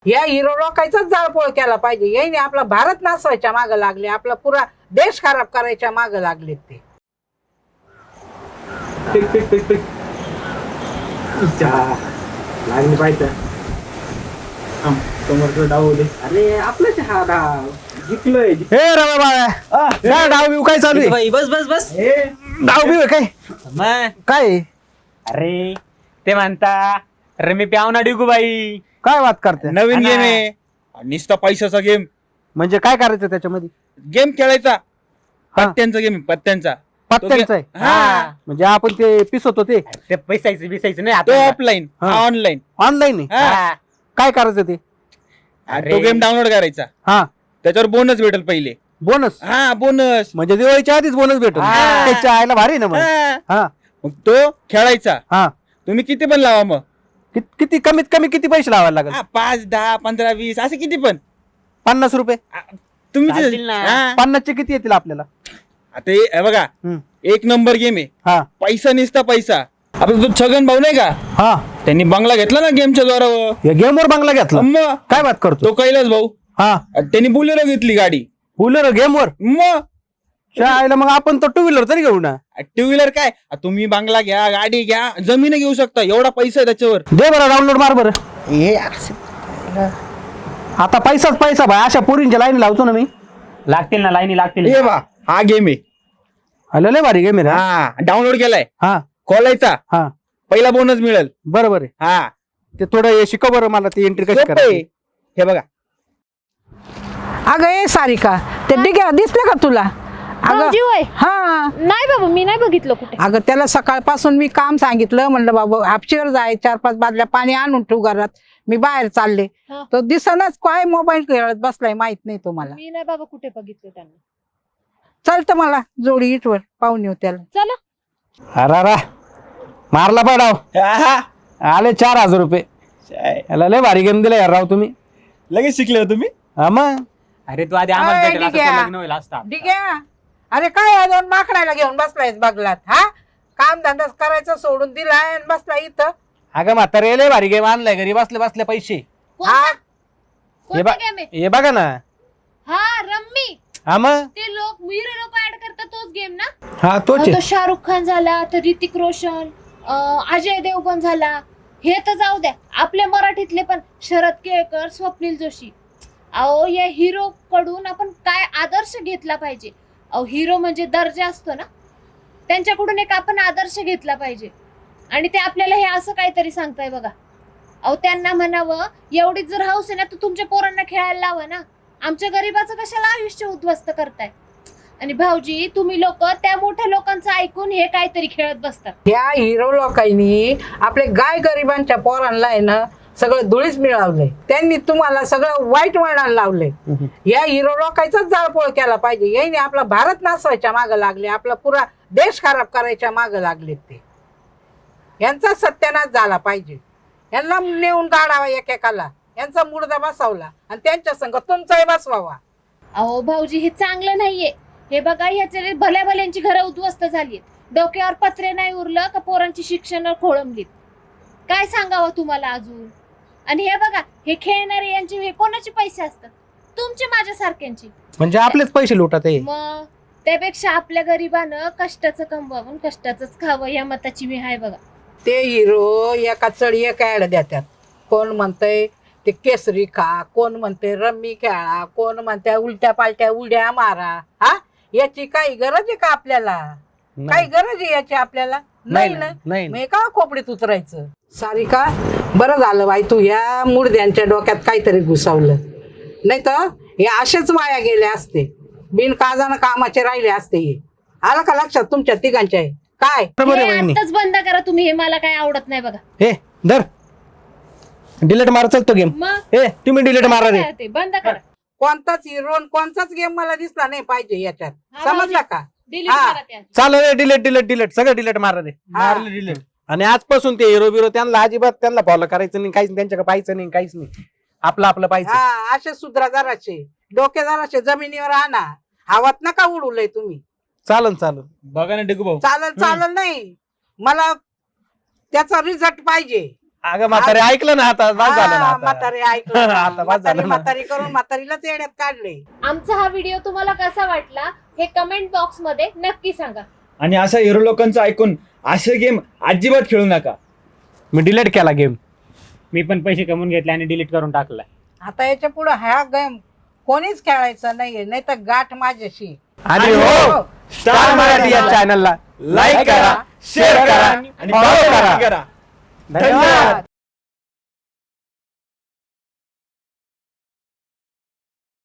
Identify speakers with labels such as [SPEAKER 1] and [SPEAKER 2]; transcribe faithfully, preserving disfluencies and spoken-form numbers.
[SPEAKER 1] या हिरो लोकांचाच जाळपोळ केला पाहिजे. याने आपला भारत नासवायच्या मागे लागले, आपला पुरा देश खराब करायच्या मागे लागले ते.
[SPEAKER 2] टिक टिक टिक टिक लागली पाहिजे. समोरचं डाव दे. अरे आपलाच हा डाव जिंकलोय.
[SPEAKER 3] हे रवा बाळा काय डाव बिव काय चालू आहे?
[SPEAKER 4] बस बस बस
[SPEAKER 3] डाव बिव काय
[SPEAKER 4] मग
[SPEAKER 3] काय
[SPEAKER 4] अरे ते म्हणता अरे मी प्यावना डिगू बाई
[SPEAKER 3] काय बात करते?
[SPEAKER 5] नवीन
[SPEAKER 4] हा
[SPEAKER 5] गेम
[SPEAKER 4] ना.
[SPEAKER 5] आहे निस्ता पैशाचा गेम.
[SPEAKER 3] म्हणजे काय करायचं त्याच्यामध्ये?
[SPEAKER 5] गेम खेळायचा
[SPEAKER 3] हा.
[SPEAKER 5] पत्त्यांचा गेम पत्त्यांचा
[SPEAKER 3] पत्त्यांचं आहे?
[SPEAKER 5] हा
[SPEAKER 3] म्हणजे आपण ते पिसवतो ते
[SPEAKER 4] ते पैसायचं बिसायचं नाही
[SPEAKER 5] तो
[SPEAKER 4] आता
[SPEAKER 5] ऑफलाईन
[SPEAKER 3] हा.
[SPEAKER 5] ऑनलाईन.
[SPEAKER 3] ऑनलाईन आहे.
[SPEAKER 4] हा.
[SPEAKER 3] काय करायचं ते?
[SPEAKER 5] तो गेम डाउनलोड करायचा,
[SPEAKER 3] हा
[SPEAKER 5] त्याच्यावर बोनस भेटेल पहिले.
[SPEAKER 3] बोनस
[SPEAKER 5] हा बोनस.
[SPEAKER 3] म्हणजे दिवाळीच्या आधीच बोनस भेटतो.
[SPEAKER 4] हा.
[SPEAKER 3] त्याच्या आईला भारी ना मग. हा
[SPEAKER 5] मग तो खेळायचा.
[SPEAKER 3] हा
[SPEAKER 5] तुम्ही किती पण लावा मग.
[SPEAKER 3] कि- किती कमीत कमी किती पैसे लावायला लागेल?
[SPEAKER 5] हा, पाच दहा पंधरा वीस असे किती पण
[SPEAKER 3] पन्नास रुपये.
[SPEAKER 5] तुम्ही ते-
[SPEAKER 4] चालतील ना.
[SPEAKER 5] हा.
[SPEAKER 3] पन्नासचे किती येतील आपल्याला?
[SPEAKER 5] आता हे- हे बघा
[SPEAKER 3] हम्म.
[SPEAKER 5] एक नंबर गेम आहे.
[SPEAKER 3] हा
[SPEAKER 5] पैसा निसता पैसा. आपला तो छगन भाऊ नाही का,
[SPEAKER 3] हा
[SPEAKER 5] त्यांनी बंगला घेतला ना गेमच्या द्वारावर.
[SPEAKER 3] या गेमवर बंगला घेतला.
[SPEAKER 5] मग
[SPEAKER 3] काय बात करतो?
[SPEAKER 5] तो कैलास भाऊ
[SPEAKER 3] हा
[SPEAKER 5] त्यांनी बुलेरो घेतली गाडी.
[SPEAKER 3] बोलर गेमवर
[SPEAKER 5] मग
[SPEAKER 3] आईला मग आपण तर टू व्हीलर तरी घेऊ ना.
[SPEAKER 5] टू व्हीलर काय, आ, तुम्ही बंगला घ्या गाडी घ्या जमीन घेऊ शकता, एवढा पैसा आहे त्याच्यावर.
[SPEAKER 3] दे बरं डाउनलोड मार बरं. आता पैसाच पैसा भाई. अशा पोरींच्या लाईन लावतो ना मी.
[SPEAKER 4] लागतील ना लाईनी लागतील
[SPEAKER 5] हे बा हा गेम आहे.
[SPEAKER 3] हॅलो लय भारी गेम आहे रे.
[SPEAKER 5] हा डाउनलोड केलाय.
[SPEAKER 3] हा
[SPEAKER 5] खोलायचा
[SPEAKER 3] हा
[SPEAKER 5] पहिला बोनस मिळेल.
[SPEAKER 3] बरोबर आहे.
[SPEAKER 5] हा
[SPEAKER 3] ते थोडं हे शिकव बरं मला ती एंट्री कशी
[SPEAKER 5] सोपं आहे.
[SPEAKER 3] करायची.
[SPEAKER 5] हे बघा
[SPEAKER 1] अगं ए सारिका, ते डिग्या दिसले का तुला? अगं
[SPEAKER 6] भाऊजी होय?
[SPEAKER 1] हा
[SPEAKER 6] नाही बाबा मी नाही बघितलं कुठे.
[SPEAKER 1] अगं त्याला सकाळपासून मी काम सांगितलं, म्हणलं बाबा हापशीवर जाय, चार पाच बादल्या पाणी आणून ठेवू घरात, मी बाहेर चालले.
[SPEAKER 6] हा.
[SPEAKER 1] तो दिसनाच काय मोबाईल खेळत बसलाय, माहित नाही तुम्हाला.
[SPEAKER 6] मी नाही बाबा कुठे बघितलं त्यांना.
[SPEAKER 1] चालतं मला जोडी इटवर पाहून येऊ त्याला.
[SPEAKER 6] चला
[SPEAKER 3] अरे रा मारला पडाव.
[SPEAKER 5] हा,
[SPEAKER 3] आले चार हजार रुपये.
[SPEAKER 5] हा.
[SPEAKER 3] याला लय भारी गेम दिला यार राव तुम्ही.
[SPEAKER 5] लगेच शिकले हो तुम्ही.
[SPEAKER 3] हा मग
[SPEAKER 4] अरे तू आधी आम्हाला
[SPEAKER 1] अय,
[SPEAKER 4] भेटेल असं
[SPEAKER 1] ठीक आहे.
[SPEAKER 4] तर लग्न होईल असता.
[SPEAKER 1] डिग्या, अरे काय या दोन माकडायला घेऊन बसलायस बगलात? हा काम धंदा करायचं सोडून दिलाय आणि बसला इथं.
[SPEAKER 3] अगं म्हातारे लय भारी गेम आणलाय घरी बसले बसले पैसे.
[SPEAKER 1] हा
[SPEAKER 3] हे
[SPEAKER 6] कोणता
[SPEAKER 3] बा-
[SPEAKER 6] गेम आहे?
[SPEAKER 3] हे बघा ना.
[SPEAKER 6] हा रम्मी.
[SPEAKER 3] हा मग
[SPEAKER 6] ते लोक हिरो लोक ऍड करतात तोच गेम ना.
[SPEAKER 3] हा तोच
[SPEAKER 6] अहो,
[SPEAKER 3] आहे.
[SPEAKER 6] तो शाहरुख खान झाला, तर ऋतिक रोशन, अं, अजय देवगण झाला. हे तर जाऊ द्या, आपल्या मराठीतले पण शरद केळकर, स्वप्नील जोशी. अहो या हिरो कडून आपण काय आदर्श घेतला पाहिजे. अहो हिरो म्हणजे दर्जा असतो ना, त्यांच्याकडून एक आपण आदर्श घेतला पाहिजे. आणि ते आपल्याला हे असं काहीतरी सांगताय बघा. अहो त्यांना म्हणावं एवढीच जर हौस आहे ना तर तुमच्या पोरांना खेळायला लावा ना. आमच्या गरीबाचं कशाला आयुष्य उद्ध्वस्त करताय. आणि भाऊजी तुम्ही लोक त्या मोठ्या लोकांचं ऐकून हे काहीतरी खेळत बसतात.
[SPEAKER 1] ह्या हिरो लोकांनी आपले गाय गरिबांच्या पोरांना आहे ना सगळं धुळीच मिळवलंय. त्यांनी तुम्हाला सगळं वाईट वळणाला लावलंय. या हिरो लोकांचाच जाळपोळ केला पाहिजे. याने आपला भारत नासवायच्या मागे लागले, आपला पुरा देश खराब करायच्या मागे लागले ते. यांचा सत्यानाश झाला पाहिजे. यांना नेऊन काढावा एकेकाला, यांचा मुर्दा बसवला आणि त्यांच्या संग तुमचाही बसवावा.
[SPEAKER 6] अहो भाऊजी हे चांगलं नाहीये. हे बघा ह्याच्या भल्या भल्यांची घरं उद्ध्वस्त झाली. डोक्यावर पत्रे नाही उरलं का पोरांची शिक्षण खोळंबलीत. काय सांगावं तुम्हाला अजून. आणि हे बघा हे खेळणारे यांचे हे कोणाचे पैसे असतात? तुमचे, माझ्या सारख्यांचे.
[SPEAKER 3] म्हणजे आपलेच पैसे लुटत आहे.
[SPEAKER 6] मग त्यापेक्षा आपल्या गरिबानं कष्टाचं कमवावून कष्टाचंच खावं या मताची मी आहे बघा.
[SPEAKER 1] ते हिरो एका चढी एक ऍड देतात. कोण म्हणतंय ते केसरी खा, कोण म्हणते रम्मी खेळा, कोण म्हणते उलट्या पालट्या उड्या मारा. हा याची काही गरज आहे का आपल्याला? काही गरज आहे याची आपल्याला? नाही ना.
[SPEAKER 3] नाही
[SPEAKER 1] मग का खोपडीत उतरायचं? सारिका, बरं झालं बाई तू या मुडद्यांच्या डोक्यात काहीतरी घुसवलं, नाही तर हे असेच वाया गेले असते, बिनकाजानं कामाचे राहिले असते. हे आलं का लक्षात तुमच्या तिघांच्या? काय
[SPEAKER 3] बरोबर आहे
[SPEAKER 6] हे
[SPEAKER 3] वहिनी.
[SPEAKER 6] आत्ताच बंद करा तुम्ही. हे मला काय आवडत नाही बघा.
[SPEAKER 3] हे धर डिलीट मार चालतो गेम.
[SPEAKER 6] मग
[SPEAKER 3] हे तुम्ही डिलीट मारा रे.
[SPEAKER 6] ते बंद करा.
[SPEAKER 1] कोणताच हिरो कोणताच गेम मला दिसला नाही पाहिजे याच्यात.
[SPEAKER 6] हा,
[SPEAKER 1] समजला का?
[SPEAKER 6] डिलीट
[SPEAKER 1] हा.
[SPEAKER 6] करा त्या.
[SPEAKER 3] चाल रे डिलीट डिलीट डिलीट सगळं डिलीट मारा रे.
[SPEAKER 1] मारलं
[SPEAKER 5] डिलीट.
[SPEAKER 3] आणि आजपासून ते हिरो बिरो त्यांना अजिबात त्यांना फॉलो करायचं नाही, काहीच त्यांच्याकडे पाहायचं नाही, काहीच नाही. आपलं आपलं पाहिजे.
[SPEAKER 1] हा असे सुधरा जराशे, डोके जराशे जमिनीवर आणा. हवात नका उडवलंय तुम्ही.
[SPEAKER 3] चालन चालन.
[SPEAKER 5] बघा ना डिगू भाऊ,
[SPEAKER 1] चालल चालल नाही, मला त्याचा रिझल्ट पाहिजे.
[SPEAKER 3] अगं म्हातारे ऐकलं ना आता बस झालं ना
[SPEAKER 1] हा,
[SPEAKER 3] आता.
[SPEAKER 1] म्हातारी ऐकलं ना.
[SPEAKER 3] आता बस
[SPEAKER 1] म्हातारी
[SPEAKER 3] झालं ना.
[SPEAKER 1] म्हातारी करून म्हातारीलाच येड्यात काढले.
[SPEAKER 6] आमचा हा व्हिडिओ तुम्हाला कसा वाटला हे कमेंट बॉक्स मध्ये नक्की सांगा.
[SPEAKER 5] आणि असा हिरो लोकांचं ऐकून असे गेम अजिबात खेळू नका.
[SPEAKER 3] मी डिलीट केला गेम.
[SPEAKER 4] मी पण पैसे कमवून घेतले आणि डिलीट करून टाकला.
[SPEAKER 1] आता याच्या पुढे हा गेम कोणीच खेळायचा नाहीये, नाही तर गाठ माझ्याशी.
[SPEAKER 3] आणि हो स्टार मराठी या चॅनलला लाईक करा, शेअर करा आणि फॉलो करा.
[SPEAKER 5] करा.
[SPEAKER 3] धन्यवाद.